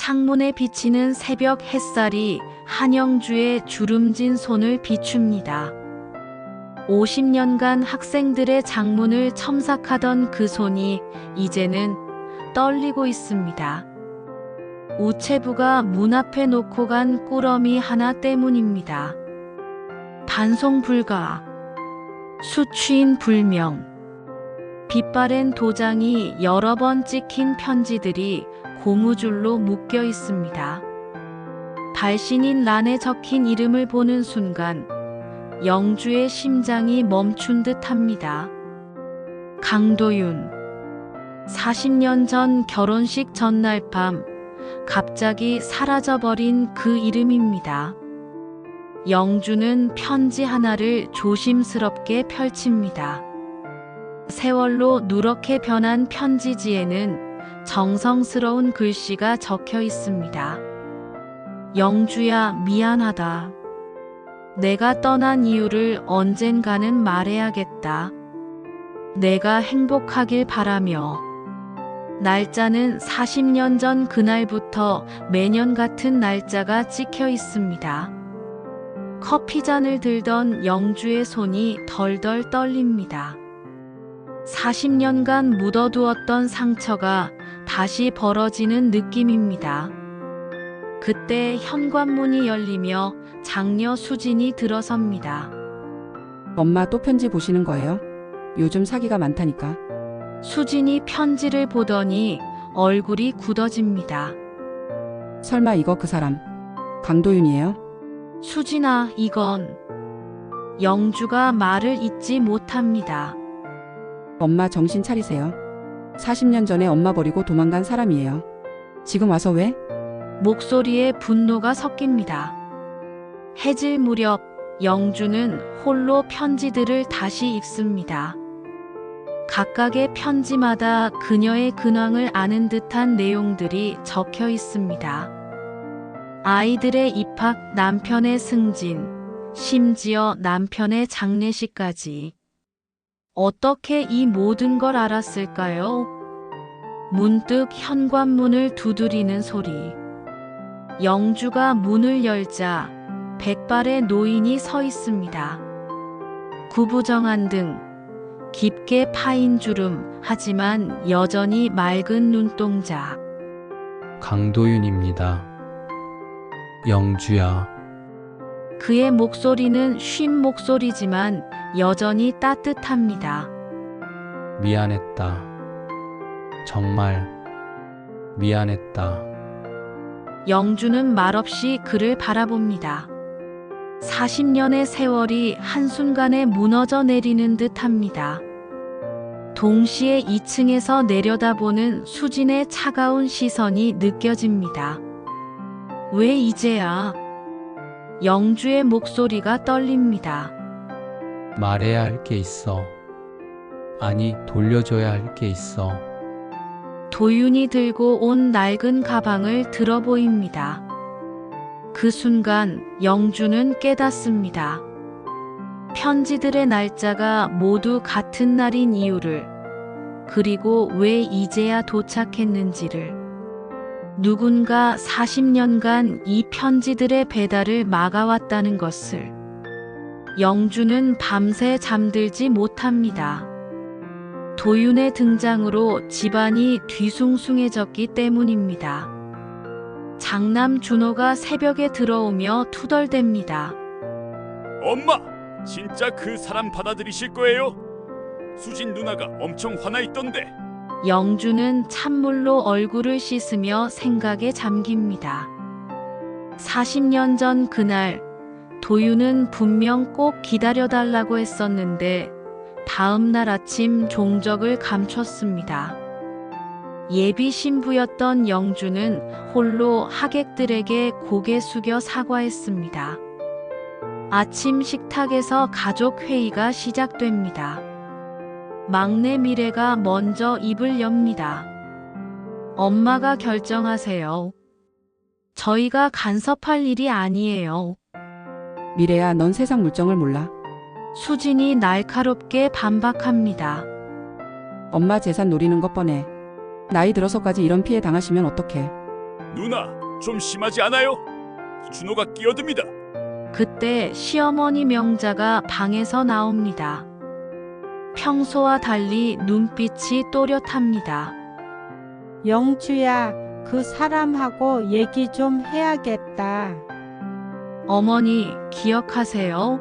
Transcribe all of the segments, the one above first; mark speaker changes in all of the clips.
Speaker 1: 창문에 비치는 새벽 햇살이 한영주의 주름진 손을 비춥니다. 50년간 학생들의 장문을 첨삭하던 그 손이 이제는 떨리고 있습니다. 우체부가 문 앞에 놓고 간 꾸러미 하나 때문입니다. 반송 불가, 수취인 불명, 빛바랜 도장이 여러 번 찍힌 편지들이 고무줄로 묶여 있습니다. 발신인 란에 적힌 이름을 보는 순간 영주의 심장이 멈춘 듯 합니다. 강도윤. 40년 전 결혼식 전날 밤 갑자기 사라져버린 그 이름입니다. 영주는 편지 하나를 조심스럽게 펼칩니다. 세월로 누렇게 변한 편지지에는 정성스러운 글씨가 적혀 있습니다. 영주야, 미안하다. 내가 떠난 이유를 언젠가는 말해야겠다. 내가 행복하길 바라며. 날짜는 40년 전 그날부터 매년 같은 날짜가 찍혀 있습니다. 커피잔을 들던 영주의 손이 덜덜 떨립니다. 40년간 묻어두었던 상처가 다시 벌어지는 느낌입니다. 그때 현관문이 열리며 장녀 수진이 들어섭니다.
Speaker 2: 엄마 또 편지 보시는 거예요? 요즘 사기가 많다니까.
Speaker 1: 수진이 편지를 보더니 얼굴이 굳어집니다.
Speaker 2: 설마 이거 그 사람 강도윤이에요?
Speaker 1: 수진아, 이건. 영주가 말을 잇지 못합니다.
Speaker 2: 엄마 정신 차리세요. 40년 전에 엄마 버리고 도망간 사람이에요. 지금 와서 왜?
Speaker 1: 목소리에 분노가 섞입니다. 해질 무렵 영주는 홀로 편지들을 다시 읽습니다. 각각의 편지마다 그녀의 근황을 아는 듯한 내용들이 적혀 있습니다. 아이들의 입학, 남편의 승진, 심지어 남편의 장례식까지. 어떻게 이 모든 걸 알았을까요? 문득 현관문을 두드리는 소리. 영주가 문을 열자 백발의 노인이 서 있습니다. 구부정한 등, 깊게 파인 주름, 하지만 여전히 맑은 눈동자.
Speaker 3: 강도윤입니다. 영주야.
Speaker 1: 그의 목소리는 쉰 목소리지만 여전히 따뜻합니다.
Speaker 3: 미안했다. 정말 미안했다.
Speaker 1: 영주는 말없이 그를 바라봅니다. 40년의 세월이 한순간에 무너져 내리는 듯합니다. 동시에 2층에서 내려다보는 수진의 차가운 시선이 느껴집니다. 왜 이제야? 영주의 목소리가 떨립니다.
Speaker 3: 말해야 할 게 있어. 아니, 돌려줘야 할 게 있어.
Speaker 1: 도윤이 들고 온 낡은 가방을 들어 보입니다. 그 순간 영주는 깨닫습니다. 편지들의 날짜가 모두 같은 날인 이유를, 그리고 왜 이제야 도착했는지를. 누군가 40년간 이 편지들의 배달을 막아왔다는 것을. 영주는 밤새 잠들지 못합니다. 도윤의 등장으로 집안이 뒤숭숭해졌기 때문입니다. 장남 준호가 새벽에 들어오며 투덜댑니다.
Speaker 4: 엄마! 진짜 그 사람 받아들이실 거예요? 수진 누나가 엄청 화나 있던데.
Speaker 1: 영주는 찬물로 얼굴을 씻으며 생각에 잠깁니다. 40년 전 그날, 도윤은 분명 꼭 기다려달라고 했었는데 다음 날 아침 종적을 감췄습니다. 예비 신부였던 영주는 홀로 하객들에게 고개 숙여 사과했습니다. 아침 식탁에서 가족 회의가 시작됩니다. 막내 미래가 먼저 입을 엽니다. 엄마가 결정하세요. 저희가 간섭할 일이 아니에요.
Speaker 2: 미래야, 넌 세상 물정을 몰라.
Speaker 1: 수진이 날카롭게 반박합니다.
Speaker 2: 엄마 재산 노리는 것 뻔해. 나이 들어서까지 이런 피해 당하시면 어떡해.
Speaker 4: 누나, 좀 심하지 않아요? 준호가 끼어듭니다.
Speaker 1: 그때 시어머니 명자가 방에서 나옵니다. 평소와 달리 눈빛이 또렷합니다.
Speaker 5: 영주야, 그 사람하고 얘기 좀 해야겠다.
Speaker 1: 어머니, 기억하세요?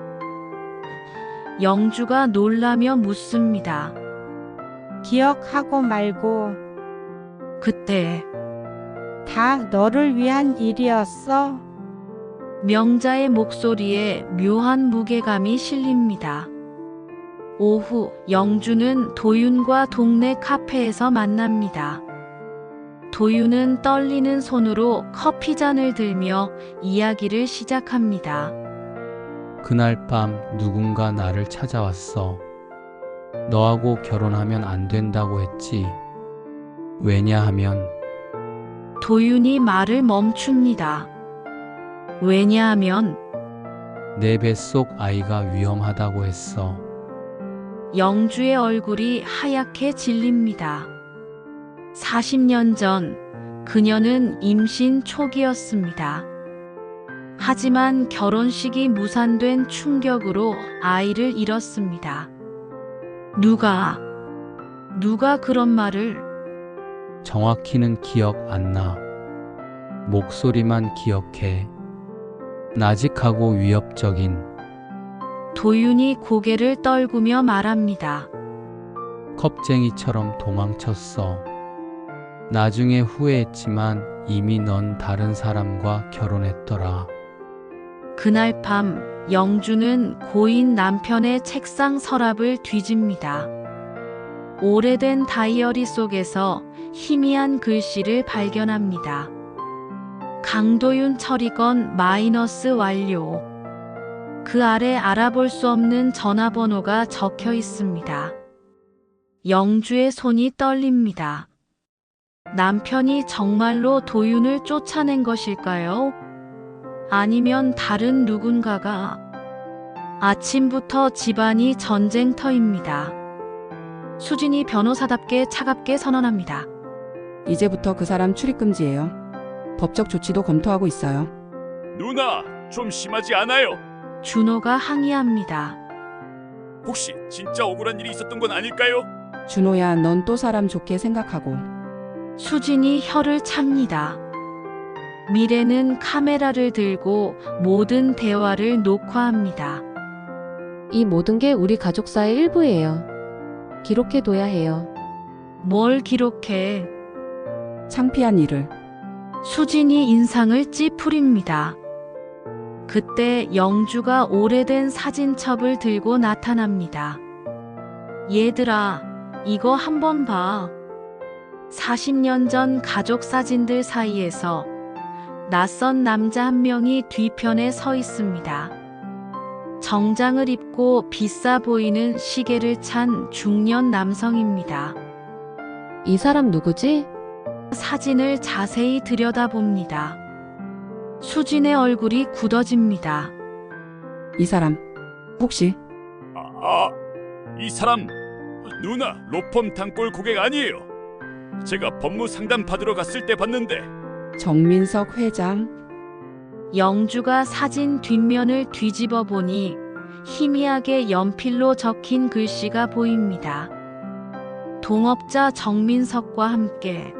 Speaker 1: 영주가 놀라며 묻습니다.
Speaker 5: 기억하고 말고
Speaker 1: 그때
Speaker 5: 다 너를 위한 일이었어.
Speaker 1: 명자의 목소리에 묘한 무게감이 실립니다. 오후, 영주는 도윤과 동네 카페에서 만납니다. 도윤은 떨리는 손으로 커피잔을 들며 이야기를 시작합니다.
Speaker 3: 그날 밤 누군가 나를 찾아왔어. 너하고 결혼하면 안 된다고 했지. 왜냐하면
Speaker 1: 도윤이 말을 멈춥니다. 왜냐하면
Speaker 3: 내 뱃속 아이가 위험하다고 했어.
Speaker 1: 영주의 얼굴이 하얗게 질립니다. 40년 전 그녀는 임신 초기였습니다. 하지만 결혼식이 무산된 충격으로 아이를 잃었습니다. 누가 그런 말을?
Speaker 3: 정확히는 기억 안 나. 목소리만 기억해. 나직하고 위협적인.
Speaker 1: 도윤이 고개를 떨구며 말합니다.
Speaker 3: 겁쟁이처럼 도망쳤어. 나중에 후회했지만 이미 넌 다른 사람과 결혼했더라.
Speaker 1: 그날 밤 영주는 고인 남편의 책상 서랍을 뒤집니다. 오래된 다이어리 속에서 희미한 글씨를 발견합니다. 강도윤 처리건 마이너스 완료. 그 아래 알아볼 수 없는 전화번호가 적혀 있습니다. 영주의 손이 떨립니다. 남편이 정말로 도윤을 쫓아낸 것일까요? 아니면 다른 누군가가? 아침부터 집안이 전쟁터입니다. 수진이 변호사답게 차갑게 선언합니다.
Speaker 2: 이제부터 그 사람 출입금지예요. 법적 조치도 검토하고 있어요.
Speaker 4: 누나, 좀 심하지 않아요?
Speaker 1: 준호가 항의합니다.
Speaker 4: 혹시 진짜 억울한 일이 있었던 건 아닐까요?
Speaker 2: 준호야, 넌 또 사람 좋게 생각하고.
Speaker 1: 수진이 혀를 찹니다. 미래는 카메라를 들고 모든 대화를 녹화합니다.
Speaker 6: 이 모든 게 우리 가족사의 일부예요. 기록해둬야 해요.
Speaker 1: 뭘 기록해?
Speaker 2: 창피한 일을.
Speaker 1: 수진이 인상을 찌푸립니다. 그때 영주가 오래된 사진첩을 들고 나타납니다. 얘들아, 이거 한번 봐. 40년 전 가족 사진들 사이에서 낯선 남자 한 명이 뒤편에 서 있습니다. 정장을 입고 비싸 보이는 시계를 찬 중년 남성입니다.
Speaker 6: 이 사람 누구지?
Speaker 1: 사진을 자세히 들여다봅니다. 수진의 얼굴이 굳어집니다.
Speaker 2: 이 사람 혹시
Speaker 4: 이 사람 누나 로펌 단골 고객 아니에요? 제가 법무 상담 받으러 갔을 때 봤는데.
Speaker 2: 정민석 회장?
Speaker 1: 영주가 사진 뒷면을 뒤집어 보니 희미하게 연필로 적힌 글씨가 보입니다. 동업자 정민석과 함께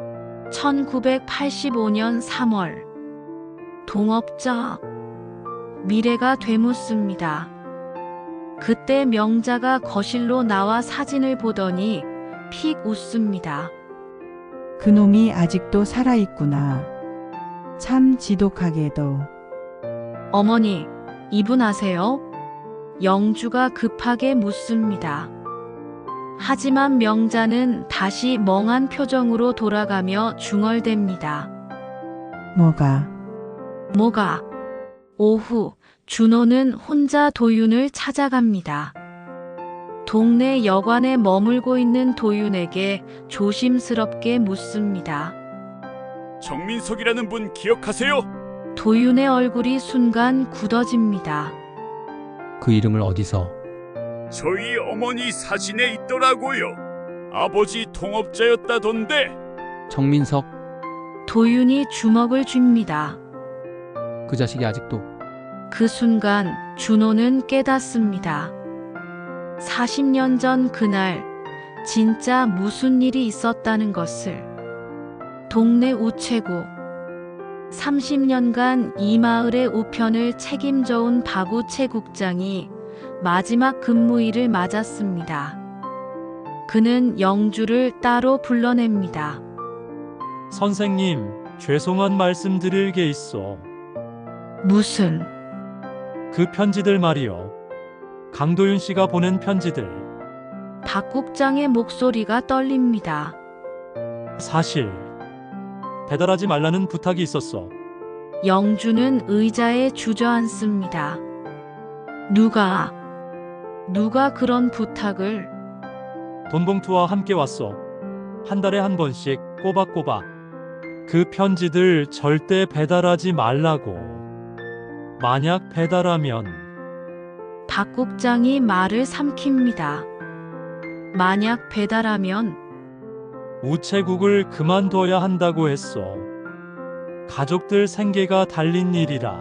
Speaker 1: 1985년 3월 동업자 미래가 되묻습니다. 그때 명자가 거실로 나와 사진을 보더니 픽 웃습니다.
Speaker 7: 그놈이 아직도 살아있구나. 참 지독하게도.
Speaker 1: 어머니, 이분 아세요? 영주가 급하게 묻습니다. 하지만 명자는 다시 멍한 표정으로 돌아가며 중얼댑니다. 뭐가? 오후, 준호는 혼자 도윤을 찾아갑니다. 동네 여관에 머물고 있는 도윤에게 조심스럽게 묻습니다.
Speaker 4: 정민석이라는 분 기억하세요?
Speaker 1: 도윤의 얼굴이 순간 굳어집니다.
Speaker 3: 그 이름을 어디서?
Speaker 4: 저희 어머니 사진에 있더라고요. 아버지 동업자였다던데.
Speaker 3: 정민석?
Speaker 1: 도윤이 주먹을 쥡니다.
Speaker 3: 그 자식이 아직도
Speaker 1: 그 순간 준호는 깨닫습니다. 40년 전 그날 진짜 무슨 일이 있었다는 것을. 동네 우체국. 30년간 이 마을의 우편을 책임져온 박우체국장이 마지막 근무일을 맞았습니다. 그는 영주를 따로 불러냅니다.
Speaker 8: 선생님, 죄송한 말씀 드릴 게 있어.
Speaker 1: 무슨?
Speaker 8: 그 편지들 말이요. 강도윤 씨가 보낸 편지들.
Speaker 1: 박 국장의 목소리가 떨립니다.
Speaker 8: 사실 배달하지 말라는 부탁이 있었어.
Speaker 1: 영주는 의자에 주저앉습니다. 누가 그런 부탁을?
Speaker 8: 돈봉투와 함께 왔어. 한 달에 한 번씩 꼬박꼬박. 그 편지들 절대 배달하지 말라고. 만약 배달하면
Speaker 1: 박 국장이 말을 삼킵니다. 만약 배달하면?
Speaker 8: 우체국을 그만둬야 한다고 했어. 가족들 생계가 달린 일이라.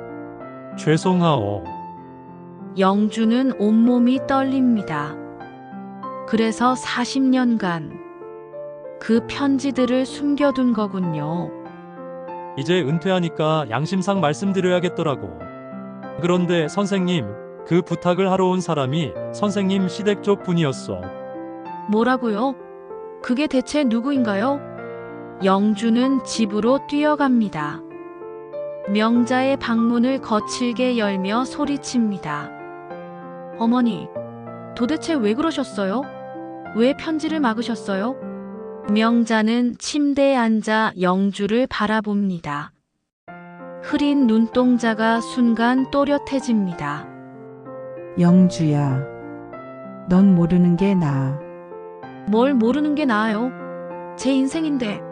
Speaker 8: 죄송하오.
Speaker 1: 영주는 온몸이 떨립니다. 그래서 40년간 그 편지들을 숨겨둔 거군요.
Speaker 8: 이제 은퇴하니까 양심상 말씀드려야겠더라고. 그런데 선생님, 그 부탁을 하러 온 사람이 선생님 시댁 쪽 분이었어.
Speaker 1: 뭐라고요? 그게 대체 누구인가요? 영주는 집으로 뛰어갑니다. 명자의 방문을 거칠게 열며 소리칩니다. 어머니, 도대체 왜 그러셨어요? 왜 편지를 막으셨어요? 명자는 침대에 앉아 영주를 바라봅니다. 흐린 눈동자가 순간 또렷해집니다.
Speaker 7: 영주야, 넌 모르는 게 나아.
Speaker 1: 뭘 모르는 게 나아요? 제 인생인데.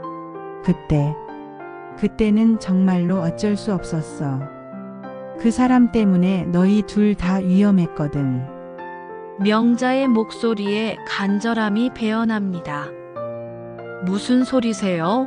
Speaker 7: 그때는 정말로 어쩔 수 없었어. 그 사람 때문에 너희 둘 다 위험했거든.
Speaker 1: 명자의 목소리에 간절함이 배어납니다. 무슨 소리세요?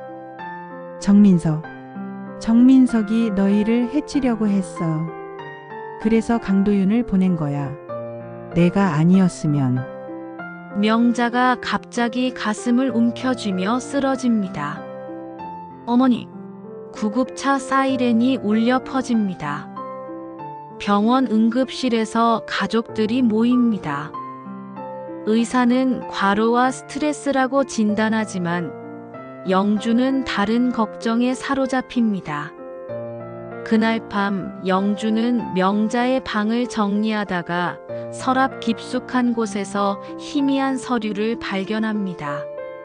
Speaker 7: 정민석이 너희를 해치려고 했어. 그래서 강도윤을 보낸 거야. 내가 아니었으면.
Speaker 1: 명자가 갑자기 가슴을 움켜쥐며 쓰러집니다. 어머니, 구급차 사이렌이 울려 퍼집니다. 병원 응급실에서 가족들이 모입니다. 의사는 과로와 스트레스라고 진단하지만 영주는 다른 걱정에 사로잡힙니다. 그날 밤 영주는 명자의 방을 정리하다가 서랍 깊숙한 곳에서 희미한 서류를 발견합니다.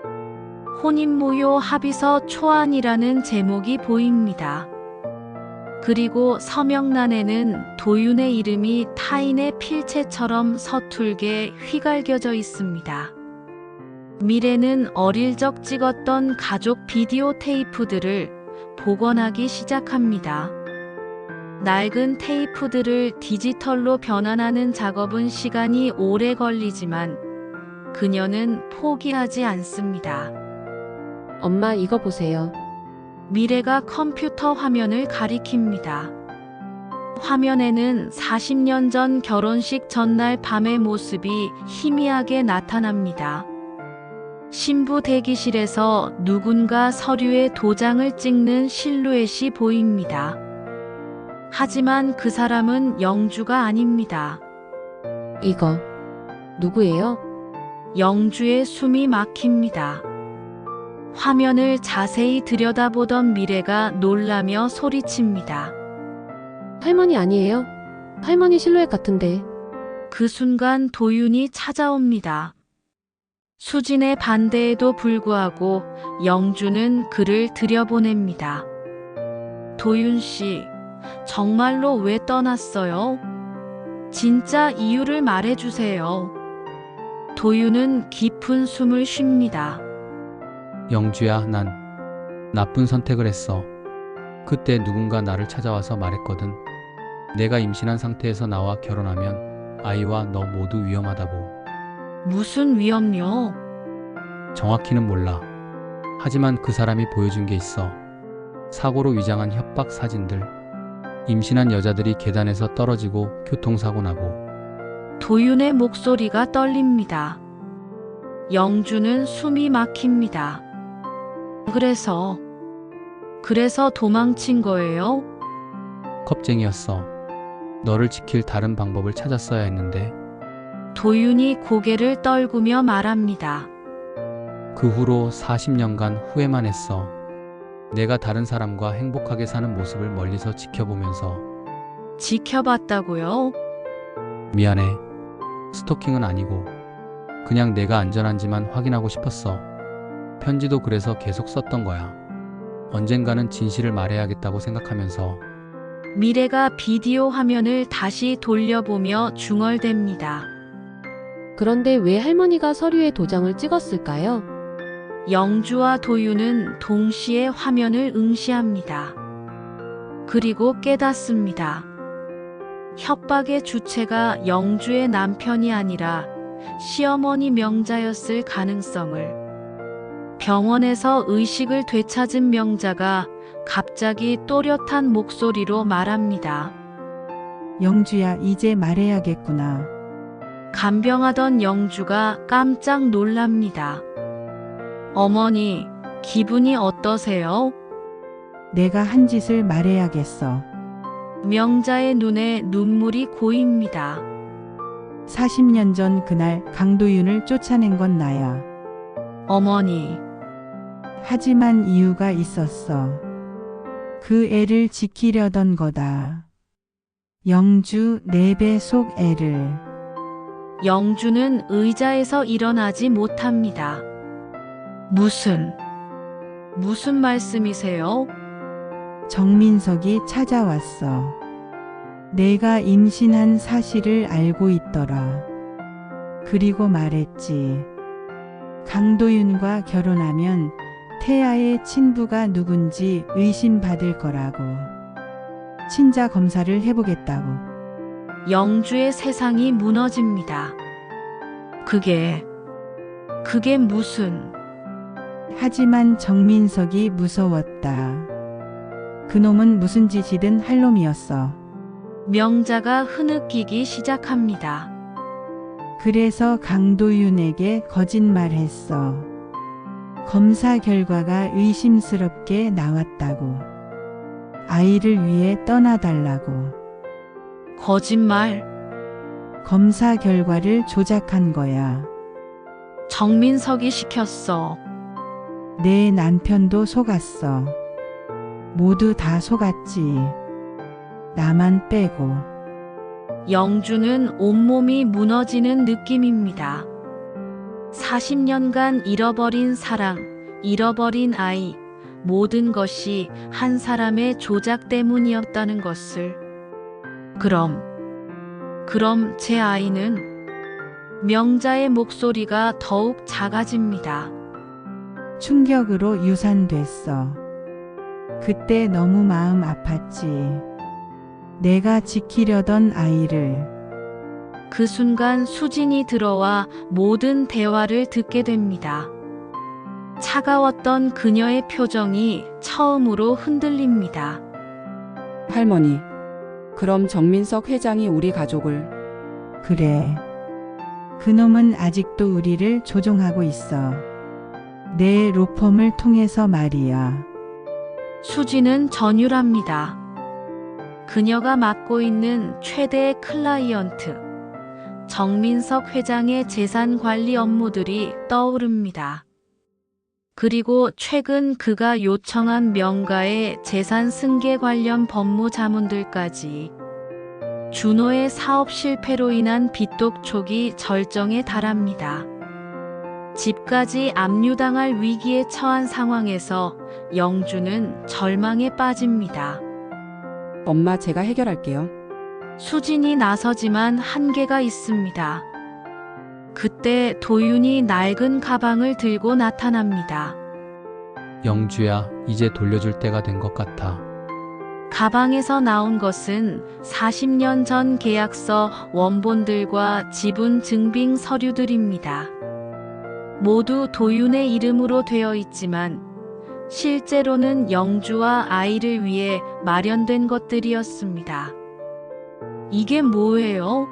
Speaker 1: 혼인무효 합의서 초안이라는 제목이 보입니다. 그리고 서명란에는 도윤의 이름이 타인의 필체처럼 서툴게 휘갈겨져 있습니다. 미래는 어릴 적 찍었던 가족 비디오 테이프들을 복원하기 시작합니다. 낡은 테이프들을 디지털로 변환하는 작업은 시간이 오래 걸리지만 그녀는 포기하지 않습니다.
Speaker 6: 엄마 이거 보세요.
Speaker 1: 미래가 컴퓨터 화면을 가리킵니다. 화면에는 40년 전 결혼식 전날 밤의 모습이 희미하게 나타납니다. 신부 대기실에서 누군가 서류에 도장을 찍는 실루엣이 보입니다. 하지만 그 사람은 영주가 아닙니다.
Speaker 6: 이거 누구예요?
Speaker 1: 영주의 숨이 막힙니다. 화면을 자세히 들여다보던 미래가 놀라며 소리칩니다.
Speaker 6: 할머니 아니에요? 할머니 실루엣 같은데.
Speaker 1: 그 순간 도윤이 찾아옵니다. 수진의 반대에도 불구하고 영주는 그를 들여보냅니다. 도윤 씨, 정말로 왜 떠났어요? 진짜 이유를 말해주세요. 도윤은 깊은 숨을 쉽니다.
Speaker 3: 영주야, 난 나쁜 선택을 했어. 그때 누군가 나를 찾아와서 말했거든. 내가 임신한 상태에서 나와 결혼하면 아이와 너 모두 위험하다고.
Speaker 1: 무슨 위험요?
Speaker 3: 정확히는 몰라. 하지만 그 사람이 보여준 게 있어. 사고로 위장한 협박 사진들, 임신한 여자들이 계단에서 떨어지고 교통사고 나고.
Speaker 1: 도윤의 목소리가 떨립니다. 영주는 숨이 막힙니다. 그래서 도망친 거예요?
Speaker 3: 겁쟁이였어. 너를 지킬 다른 방법을 찾았어야 했는데.
Speaker 1: 도윤이 고개를 떨구며 말합니다.
Speaker 3: 그 후로 40년간 후회만 했어. 내가 다른 사람과 행복하게 사는 모습을 멀리서 지켜보면서.
Speaker 1: 지켜봤다고요?
Speaker 3: 미안해. 스토킹은 아니고 그냥 내가 안전한지만 확인하고 싶었어. 편지도 그래서 계속 썼던 거야. 언젠가는 진실을 말해야겠다고 생각하면서.
Speaker 1: 미래가 비디오 화면을 다시 돌려보며 중얼댑니다.
Speaker 6: 그런데 왜 할머니가 서류에 도장을 찍었을까요?
Speaker 1: 영주와 도윤은 동시에 화면을 응시합니다. 그리고 깨닫습니다. 협박의 주체가 영주의 남편이 아니라 시어머니 명자였을 가능성을. 병원에서 의식을 되찾은 명자가 갑자기 또렷한 목소리로 말합니다.
Speaker 7: 영주야, 이제 말해야겠구나.
Speaker 1: 간병하던 영주가 깜짝 놀랍니다. 어머니, 기분이 어떠세요?
Speaker 7: 내가 한 짓을 말해야겠어.
Speaker 1: 명자의 눈에 눈물이 고입니다.
Speaker 7: 40년 전 그날 강도윤을 쫓아낸 건 나야.
Speaker 1: 어머니,
Speaker 7: 하지만 이유가 있었어. 그 애를 지키려던 거다. 영주, 내 배 속 애를.
Speaker 1: 영주는 의자에서 일어나지 못합니다. 무슨 말씀이세요?
Speaker 7: 정민석이 찾아왔어. 내가 임신한 사실을 알고 있더라. 그리고 말했지. 강도윤과 결혼하면 태아의 친부가 누군지 의심받을 거라고. 친자 검사를 해보겠다고.
Speaker 1: 영주의 세상이 무너집니다. 그게 무슨...
Speaker 7: 하지만 정민석이 무서웠다. 그놈은 무슨 짓이든 할 놈이었어.
Speaker 1: 명자가 흐느끼기 시작합니다.
Speaker 7: 그래서 강도윤에게 거짓말했어. 검사 결과가 의심스럽게 나왔다고. 아이를 위해 떠나달라고.
Speaker 1: 거짓말.
Speaker 7: 검사 결과를 조작한 거야.
Speaker 1: 정민석이 시켰어.
Speaker 7: 내 남편도 속았어. 모두 다 속았지. 나만 빼고.
Speaker 1: 영주는 온몸이 무너지는 느낌입니다. 40년간 잃어버린 사랑, 잃어버린 아이, 모든 것이 한 사람의 조작 때문이었다는 것을. 그럼 제 아이는? 명자의 목소리가 더욱 작아집니다.
Speaker 7: 충격으로 유산됐어. 그때 너무 마음 아팠지. 내가 지키려던 아이를.
Speaker 1: 그 순간 수진이 들어와 모든 대화를 듣게 됩니다. 차가웠던 그녀의 표정이 처음으로 흔들립니다.
Speaker 2: 할머니, 그럼 정민석 회장이 우리 가족을.
Speaker 7: 그래. 그놈은 아직도 우리를 조종하고 있어. 내 로펌을 통해서 말이야.
Speaker 1: 수진은 전율합니다. 그녀가 맡고 있는 최대의 클라이언트, 정민석 회장의 재산 관리 업무들이 떠오릅니다. 그리고 최근 그가 요청한 명가의 재산 승계 관련 법무 자문들까지. 준호의 사업 실패로 인한 빚독촉이 절정에 달합니다. 집까지 압류당할 위기에 처한 상황에서 영주는 절망에 빠집니다.
Speaker 2: 엄마, 제가 해결할게요.
Speaker 1: 수진이 나서지만 한계가 있습니다. 그때 도윤이 낡은 가방을 들고 나타납니다.
Speaker 3: 영주야, 이제 돌려줄 때가 된 것 같아.
Speaker 1: 가방에서 나온 것은 40년 전 계약서 원본들과 지분 증빙 서류들입니다. 모두 도윤의 이름으로 되어 있지만 실제로는 영주와 아이를 위해 마련된 것들이었습니다. 이게 뭐예요?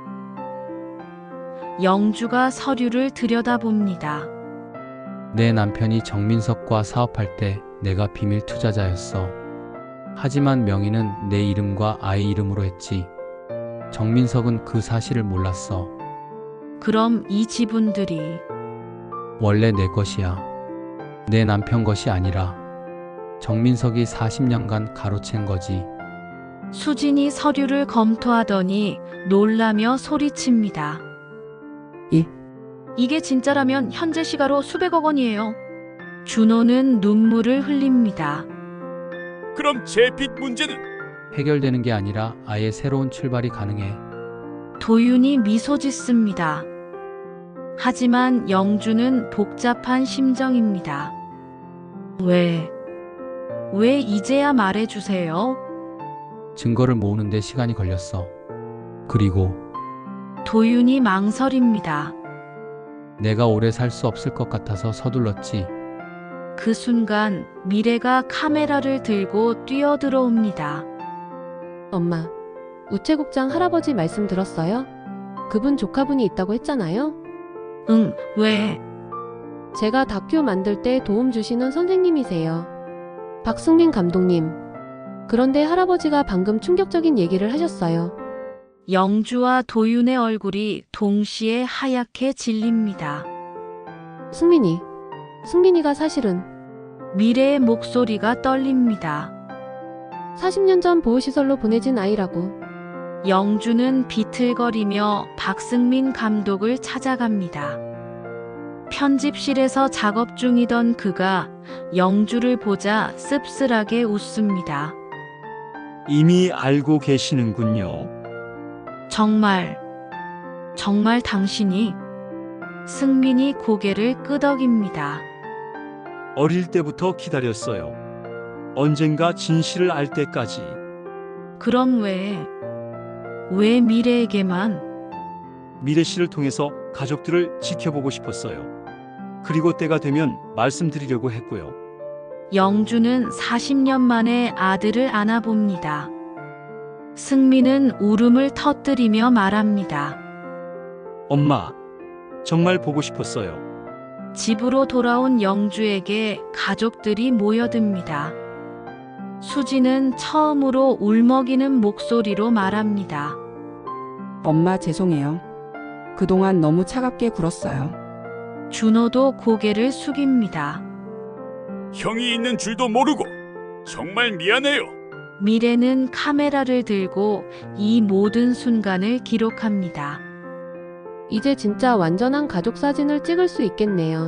Speaker 1: 영주가 서류를 들여다봅니다.
Speaker 3: 내 남편이 정민석과 사업할 때 내가 비밀 투자자였어. 하지만 명의는 내 이름과 아이 이름으로 했지. 정민석은 그 사실을 몰랐어.
Speaker 1: 그럼 이 지분들이
Speaker 3: 원래 내 것이야. 내 남편 것이 아니라 정민석이 40년간 가로챈 거지.
Speaker 1: 수진이 서류를 검토하더니 놀라며 소리칩니다. 이게 진짜라면 현재 시가로 수백억 원이에요. 준호는 눈물을 흘립니다.
Speaker 4: 그럼 제 빚 문제는?
Speaker 3: 해결되는 게 아니라 아예 새로운 출발이 가능해.
Speaker 1: 도윤이 미소 짓습니다. 하지만 영주는 복잡한 심정입니다. 왜 이제야 말해주세요?
Speaker 3: 증거를 모으는데 시간이 걸렸어. 그리고
Speaker 1: 도윤이 망설입니다.
Speaker 3: 내가 오래 살 수 없을 것 같아서 서둘렀지.
Speaker 1: 그 순간 미래가 카메라를 들고 뛰어들어옵니다.
Speaker 6: 엄마, 우체국장 할아버지 말씀 들었어요? 그분 조카분이 있다고 했잖아요?
Speaker 1: 응, 왜?
Speaker 6: 제가 다큐 만들 때 도움 주시는 선생님이세요. 박승민 감독님. 그런데 할아버지가 방금 충격적인 얘기를 하셨어요.
Speaker 1: 영주와 도윤의 얼굴이 동시에 하얗게 질립니다.
Speaker 6: 승민이가 사실은
Speaker 1: 미래의 목소리가 떨립니다.
Speaker 6: 40년 전 보호시설로 보내진 아이라고.
Speaker 1: 영주는 비틀거리며 박승민 감독을 찾아갑니다. 편집실에서 작업 중이던 그가 영주를 보자 씁쓸하게 웃습니다.
Speaker 9: 이미 알고 계시는군요.
Speaker 1: 정말 당신이? 승민이 고개를 끄덕입니다.
Speaker 9: 어릴 때부터 기다렸어요. 언젠가 진실을 알 때까지.
Speaker 1: 그럼 왜 미래에게만?
Speaker 9: 미래 씨를 통해서 가족들을 지켜보고 싶었어요. 그리고 때가 되면 말씀드리려고 했고요.
Speaker 1: 영주는 40년 만에 아들을 안아봅니다. 승민은 울음을 터뜨리며 말합니다.
Speaker 9: 엄마, 정말 보고 싶었어요.
Speaker 1: 집으로 돌아온 영주에게 가족들이 모여듭니다. 수지는 처음으로 울먹이는 목소리로 말합니다.
Speaker 2: 엄마 죄송해요. 그동안 너무 차갑게 굴었어요.
Speaker 1: 준호도 고개를 숙입니다.
Speaker 4: 형이 있는 줄도 모르고 정말 미안해요.
Speaker 1: 미래는 카메라를 들고 이 모든 순간을 기록합니다.
Speaker 6: 이제 진짜 완전한 가족 사진을 찍을 수 있겠네요.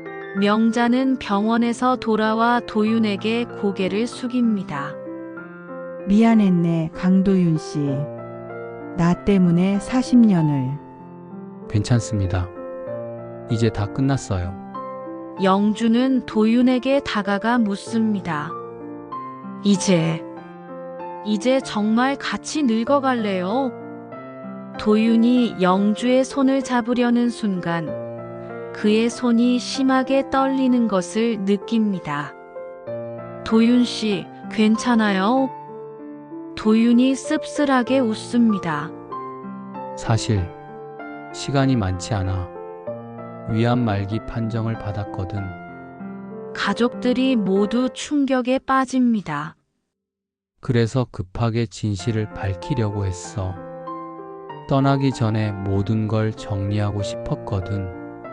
Speaker 1: 명자는 병원에서 돌아와 도윤에게 고개를 숙입니다.
Speaker 7: 미안했네, 강도윤 씨. 나 때문에 40년을.
Speaker 3: 괜찮습니다. 이제 다 끝났어요.
Speaker 1: 영주는 도윤에게 다가가 묻습니다. 이제 정말 같이 늙어갈래요? 도윤이 영주의 손을 잡으려는 순간 그의 손이 심하게 떨리는 것을 느낍니다. 도윤 씨, 괜찮아요? 도윤이 씁쓸하게 웃습니다.
Speaker 3: 사실 시간이 많지 않아. 위암 말기 판정을 받았거든.
Speaker 1: 가족들이 모두 충격에 빠집니다.
Speaker 3: 그래서 급하게 진실을 밝히려고 했어. 떠나기 전에 모든 걸 정리하고 싶었거든.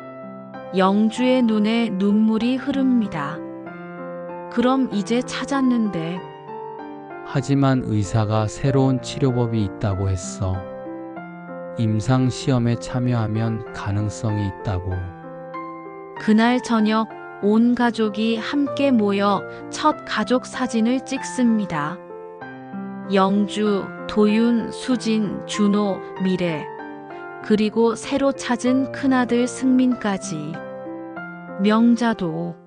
Speaker 1: 영주의 눈에 눈물이 흐릅니다. 그럼 이제 찾았는데.
Speaker 3: 하지만 의사가 새로운 치료법이 있다고 했어. 임상 시험에 참여하면 가능성이 있다고.
Speaker 1: 그날 저녁 온 가족이 함께 모여 첫 가족 사진을 찍습니다. 영주, 도윤, 수진, 준호, 미래, 그리고 새로 찾은 큰아들 승민까지. 명자도